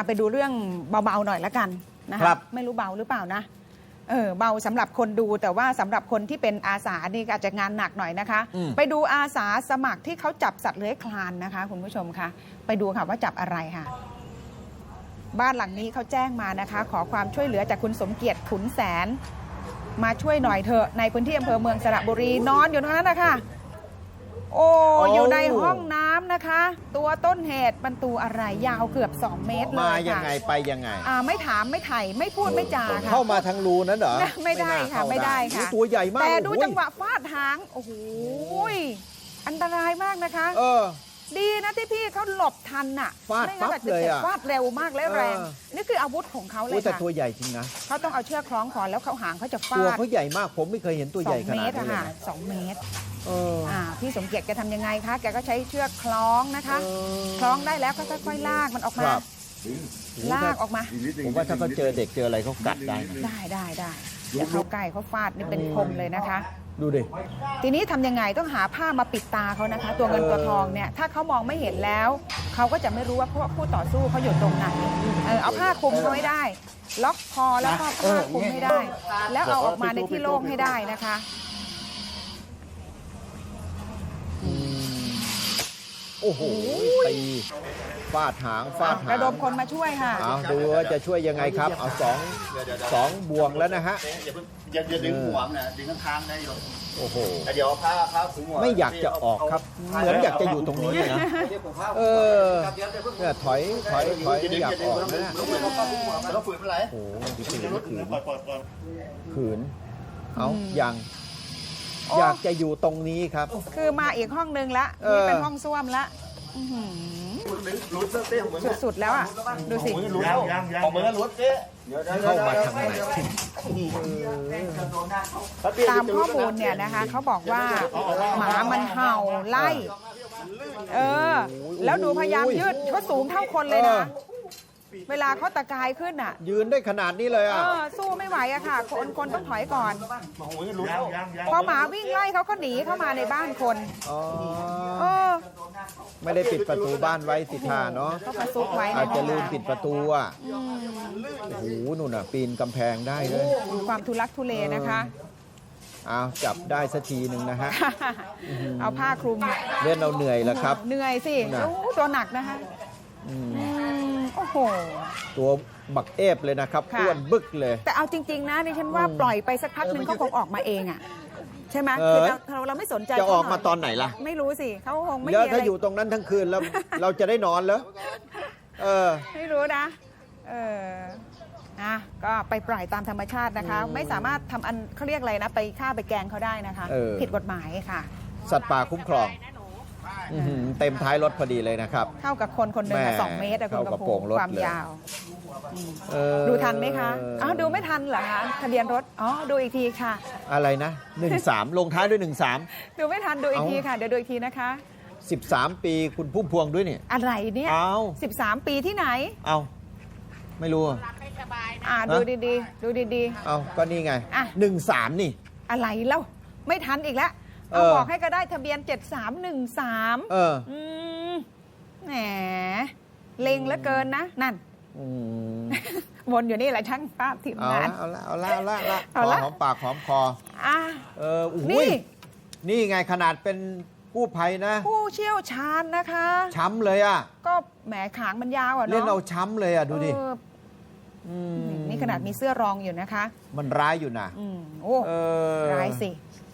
ไปดูเรื่องเบาๆหน่อยละกันนะคะไม่รู้เบาหรือเปล่านะเบาสำหรับคนดูแต่ว่าสำหรับคนที่เป็นอาสานี่อาจจะงานหนักหน่อยนะคะไปดูอาสาสมัครที่เขาจับสัตว์เลื้อยคลานนะคะคุณผู้ชมคะไปดูค่ะว่าจับอะไรค่ะบ้านหลังนี้เขาแจ้งมานะคะขอความช่วยเหลือจากคุณสมเกียรติขุนแสนมาช่วยหน่อยเถอะในพื้นที่อำเภอเมืองสระบุรีนอนอยู่ตรงนั้นนะคะโอ้อยู่ในห้องน้ำนะคะตัวต้นเหตุมันตัวอะไรยาวเกือบ2 เมตรเลยค่ะมายังไงไปยังไงไม่ถามไม่ไถ่ไม่พูดไม่จาค่ะเข้ามาทางรูนั้นเหรอไม่ได้ค่ะไม่ได้ค่ะตัวใหญ่มากแต่ดูจังหวะฟาดหางโอ้โหอันตรายมากนะคะดีนะที่พี่เขาหลบทันน่ะฟาดปั๊บเลยอ่ะฟาดเร็วมากและแรงนี่คืออาวุธของเขาเลยค่ะแต่ตัวใหญ่จริงนะเขาต้องเอาเชือกคล้องคอแล้วเขาหางเขาจะฟาดตัวเขาใหญ่มากผมไม่เคยเห็นตัวใหญ่ขนาดนี้ค่ะ2 เมตรพี่สมเกียรติแกทำยังไงคะแกก็ใช้เชือกคล้องนะคะคล้องได้แล้วก็ค่อยๆลากมันออกมาลากออกมาผมว่าถ้าเขาเจอเด็กเจออะไรเขากัดได้อย่าเข้าใกล้เขาฟาดนี่เป็นคมเลยนะคะดูดิทีนี้ทำยังไงต้องหาผ้ามาปิดตาเขานะคะตัวเงินตัวทองเนี่ยถ้าเขามองไม่เห็นแล้วเขาก็จะไม่รู้ว่าผู้ต่อสู้เขาอยู่ตรงไหนเอาผ้าคลุมเขาให้ได้ล็อกคอแล้วก็ผ้าคลุมให้ได้แล้วเอาออกมาในที่โล่งให้ได้นะคะโอ้โหตีฟาดหางระดมคนมาช่วยค่ะดูว่าจะช่วยยังไงครับเอาสองบ่วงแล้วนะฮะอย่าดึงห่วงนะดึงข้างๆได้อยู่โอ้โหเดี๋ยวผ้าถึงหัวไม่อยากจะออกครับเหมือนอยากจะอยู่ตรงนี้นะเนี่ยถอยไม่อยากออกนะแล้วฝืนอะไรโอ้ขืนเอาอย่างอยากจะอยู่ตรงนี้ครับคือมาอีกห้องนึงละนี่เป็นห้องส้วมละสุดๆแล้วอ่ะดูสิออกมือลุ้นเจ๊เข้ามาทางไหนตามข้อมูลเนี่ยนะคะเขาบอกว่าหมามันเห่าไล่แล้วดูพยายามยืดเขาสูงเท่าคนเลยนะเวลาเขาตะกายขึ้นอ่ะยืนได้ขนาดนี้เลยอ่ะสู้ไม่ไหวอะค่ะคนต้องถอยก่อนพอหมาวิ่งไล่เขาก็หนีเข้ามาในบ้านคนไม่ได้ปิดประตูบ้านไว้สิท่าเนาะก็ประซุกไว้อาจจะลืมปิดประตูอ่ะโอ้โหนู่นน่ะปีนกำแพงได้เลยความทุลักทุเลนะคะเอาจับได้สักทีหนึ่งนะฮะเอาผ้าคลุมเล่นเราเหนื่อยแล้วครับเหนื่อยสิตัวหนักนะคะโอ้โหตัวบักเอฟเลยนะครับอ้วนบึกเลยแต่เอาจริงๆนะดิฉันว่าปล่อยไปสักพักนึงเขาคงออกมาเองอ่ะใช่ไหมคือเราไม่สนใจจะออกมาตอนไหนล่ะไม่รู้สิเขาคงไม่แล้วถ้าอยู่ตรงนั้นทั้งคืนแล้วเราจะได้นอนเหรอไม่รู้นะก็ไปปล่อยตามธรรมชาตินะคะไม่สามารถทำอันเขาเรียกอะไรนะไปฆ่าไปแกงเขาได้นะคะผิดกฎหมายค่ะสัตว์ป่าคุ้มครองเต็มท้ายรถพอดีเลยนะครับเท่ากับคนหนึ่ง2 เมตรคุณกระพงความยาวดูทันไหมคะดูไม่ทันเหรอคะทะเบียนรถดูอีกทีค่ะอะไรนะ13ลงท้ายด้วย13 ดูไม่ทันดูอีกทีค่ะเดี๋ยวดูอีกทีนะคะ 13 ปีคุณพุ่มพวงด้วยนี่อะไรเนี่ย13 ปีที่ไหนไม่รู้ดูดีๆดูดีๆก็นี่ไง13นี่อะไรเล่าไม่ทันอีกแล้วบอกให้ก็ได้ทะเบียน7313แหมเล็งเหลือเกินนะนั่นวนอยู่นี่แหละช่างภาพทีมงานเอาละหอมปากหอมคอนี่ไงขนาดเป็นกู้ภัยนะผู้เชี่ยวชาญนะคะช้ำเลยอ่ะก็แหมขางมันยาวอ่ะเนาะเล่นเอาช้ำเลยอ่ะดูดินี่ขนาดมีเสื้อรองอยู่นะคะมันร้ายอยู่นะร้ายสิ